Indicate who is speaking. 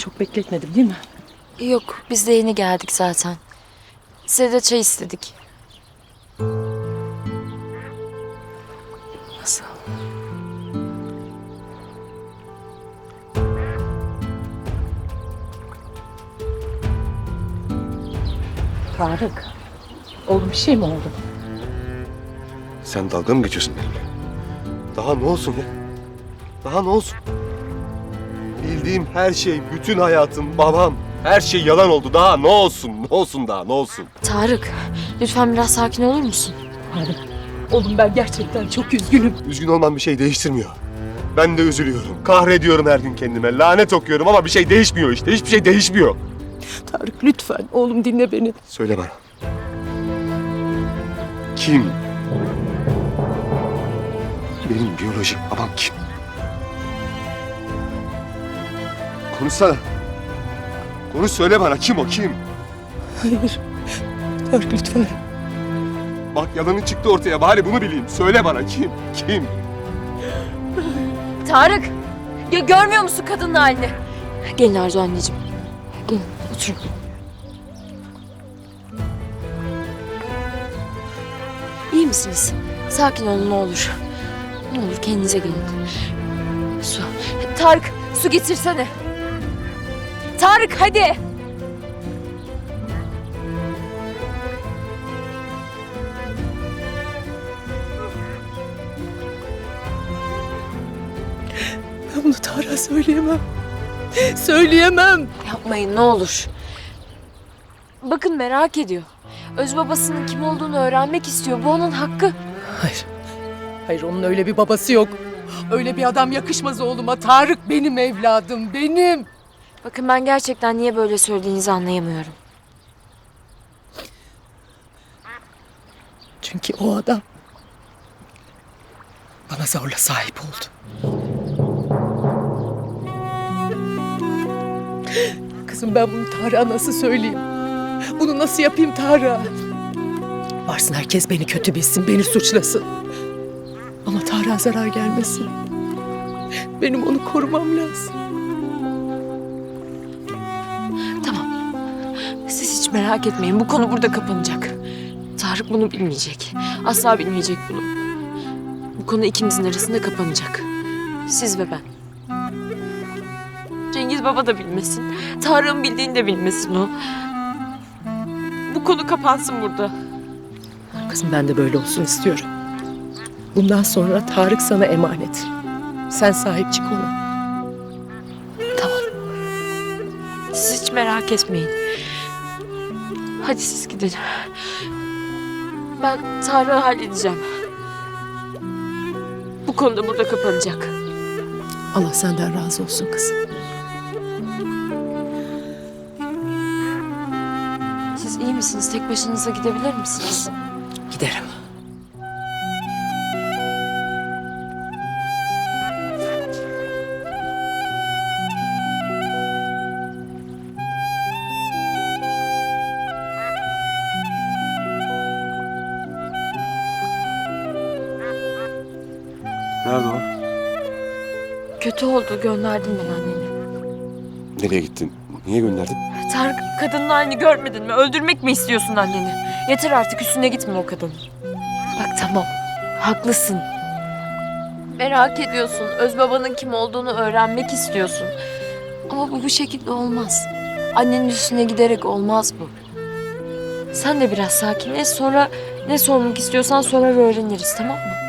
Speaker 1: çok bekletmedim değil mi?
Speaker 2: Yok, biz de yeni geldik zaten. Size de çay istedik.
Speaker 1: Nasıl? Tarık. Oğlum bir şey mi oldu?
Speaker 3: Sen dalga mı geçiyorsun benimle? Daha ne olsun ya? Daha ne olsun? Bildiğim her şey, bütün hayatım, babam, her şey yalan oldu. Daha ne olsun? Ne olsun daha? Ne olsun?
Speaker 2: Tarık, lütfen biraz sakin olur musun?
Speaker 1: Tarık. Oğlum ben gerçekten çok üzgünüm.
Speaker 3: Üzgün olmam bir şey değiştirmiyor. Ben de üzülüyorum. Kahrediyorum her gün kendime. Lanet okuyorum ama bir şey değişmiyor işte. Hiçbir şey değişmiyor.
Speaker 1: Tarık lütfen oğlum dinle beni.
Speaker 3: Söyle bana. Kim? Benim biyolojik babam kim? Konuşsana. Konuş, söyle bana, kim o, kim?
Speaker 1: Hayır. Tarık lütfen.
Speaker 3: Bak yalanın çıktı ortaya, bari bunu bileyim. Söyle bana, kim? Kim?
Speaker 2: Tarık, ya görmüyor musun kadının halini? Gelin Arzu anneciğim. Gelin, oturun. İyi misiniz? Sakin olun ne olur. Ne olur kendinize gelin. Su. Tarık, su getirsene. Tarık hadi.
Speaker 1: Ben bunu Tarık'a söyleyemem. Söyleyemem.
Speaker 2: Yapmayın ne olur. Bakın merak ediyor. Öz babasının kim olduğunu öğrenmek istiyor. Bu onun hakkı.
Speaker 1: Hayır. Hayır onun öyle bir babası yok. Öyle bir adam yakışmaz oğluma. Tarık benim evladım, benim.
Speaker 2: Bakın ben gerçekten niye böyle söylediğinizi anlayamıyorum.
Speaker 1: Çünkü o adam bana zorla sahip oldu. Kızım ben bunu Tarık'a nasıl söyleyeyim? Bunu nasıl yapayım Tarık'a? Varsın herkes beni kötü bilsin, beni suçlasın. Ama Tarık'a zarar gelmesin. Benim onu korumam lazım.
Speaker 2: Tamam. Siz hiç merak etmeyin. Bu konu burada kapanacak. Tarık bunu bilmeyecek. Asla bilmeyecek bunu. Bu konu ikimizin arasında kapanacak. Siz ve ben. Cengiz baba da bilmesin. Tarık'ın bildiğini de bilmesin o. Bu konu kapansın burada.
Speaker 1: Kızım ben de böyle olsun istiyorum. Bundan sonra Tarık sana emanet. Sen sahip çık ona.
Speaker 2: Tamam. Siz hiç merak etmeyin. Hadi siz gidin. Ben Tarık'ı halledeceğim. Bu konu da burada kapanacak.
Speaker 1: Allah senden razı olsun kızım.
Speaker 2: Siz iyi misiniz? Tek başınıza gidebilir misiniz?
Speaker 1: Giderim.
Speaker 3: Nerede o?
Speaker 2: Kötü oldu. Gönderdim ben anneni.
Speaker 3: Nereye gittin? Niye gönderdin?
Speaker 2: Tarık kadının halini görmedin mi? Öldürmek mi istiyorsun anneni? Yeter artık üstüne gitme o kadının. Bak tamam. Haklısın. Merak ediyorsun. Öz babanın kim olduğunu öğrenmek istiyorsun. Ama bu şekilde olmaz. Annenin üstüne giderek olmaz bu. Sen de biraz sakinleş. Sonra ne sormak istiyorsan sorar öğreniriz tamam mı?